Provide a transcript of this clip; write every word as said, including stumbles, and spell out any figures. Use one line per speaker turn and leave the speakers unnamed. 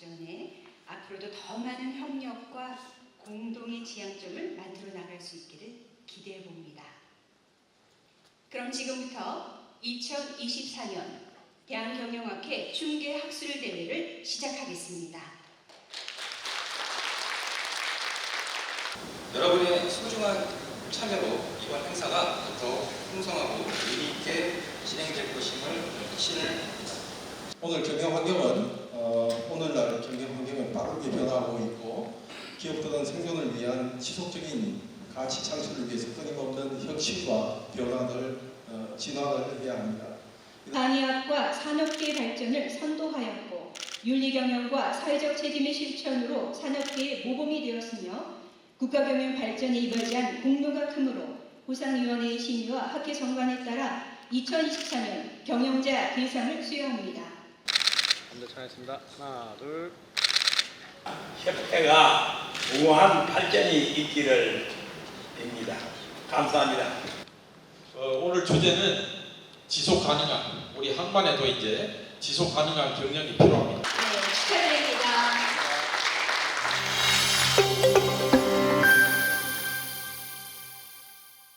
발전에 앞으로도 더 많은 협력과 공동의 지향점을 만들어 나갈 수 있기를 기대해 봅니다. 그럼 지금부터 이천이십사 년 대한경영학회 중개학술 대회를 시작하겠습니다.
여러분의 소중한 참여로 이번 행사가 더욱 풍성하고 의미 있게 진행될 것임을 확신을 합니다.
오늘 경영 환경은 어, 오늘날 경영 환경은 빠르게 변화하고 있고 기업들은 생존을 위한 지속적인 가치 창출을 위해서 끊임없는 혁신과 변화를 어, 진화를 해야 합니다.
산의학과 산업계의 발전을 선도하였고 윤리경영과 사회적 책임의 실천으로 산업계의 모범이 되었으며 국가경영 발전에 이바지한 공로가 크므로 보상위원회의 심의와 학회 정관에 따라 이천이십사 년 경영자 대상을 수여합니다.
한대 차겠습니다. 하나, 둘.
협회가 우한 발전이 있기를 빕니다. 감사합니다.
어, 오늘 주제는 지속 가능한, 우리 항만에도 이제 지속 가능한 경영이 필요합니다.
네, 축하드립니다.